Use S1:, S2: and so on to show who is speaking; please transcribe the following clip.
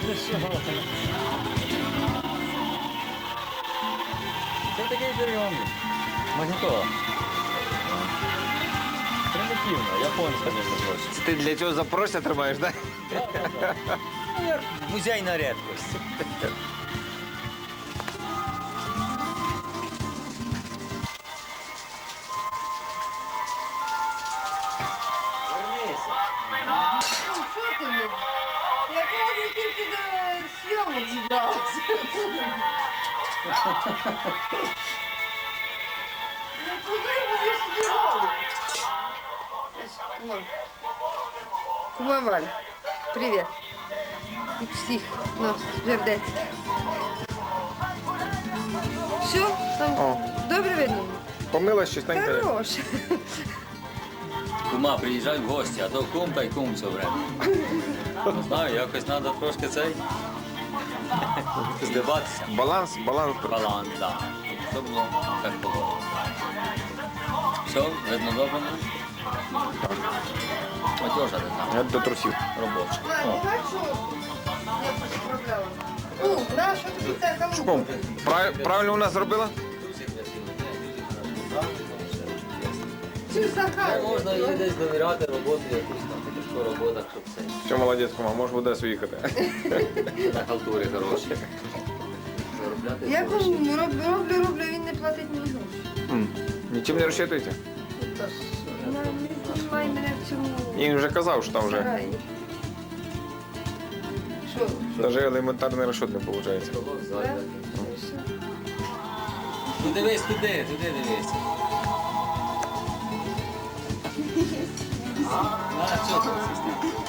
S1: Ну що? Це такий прийомник. Магнітола. Примітивно, японська, між прочим.
S2: Ти для цього запорожця тримаєш, так?
S1: Ну, як музейна рідкость. Вернися.
S3: Ну, що ти мені? Я кажу, тільки до зйомок зібралася. Ну, куди будеш зібрали? Кума Валь, привіт. І всіх нас жердець. Все, там
S2: О.
S3: добре видно?
S2: Помила щось танька.
S3: Хороше.
S1: Кума, приїжджай в гості, а то кум та й кум все время. Не знаю, якось треба трошки цей. Здиватися.
S2: Баланс.
S1: Баланс, так. Щоб було як було. Все, видно добре? Матюша ти там,
S2: Я до трусів.
S1: робоча.
S3: Ладно,
S1: О,
S3: так що я поправляла. Ну, да, що тобі це
S2: Ком,
S3: халупа?
S2: правильно у нас зробила?
S3: Чи Захар?
S1: можна їй десь довіряти роботу, якусь там тяжку роботу, щоб це
S2: Все, молодець, кума, можеш в Одесу їхати.
S1: на халтурі хороші. Заробляти
S3: Я
S1: гроші.
S3: кому роблю, він не платить мені гроші.
S2: Нічим не розчитуєте?
S3: Не знімай мене в цьому
S2: Він вже казав, що там вже
S3: сараї. Що?
S2: навіть елементарний розчет не виходить.
S1: Столок
S3: Да?
S1: ззаду.
S3: Ну, все.
S1: Ну дивись туди дивись. А, що там?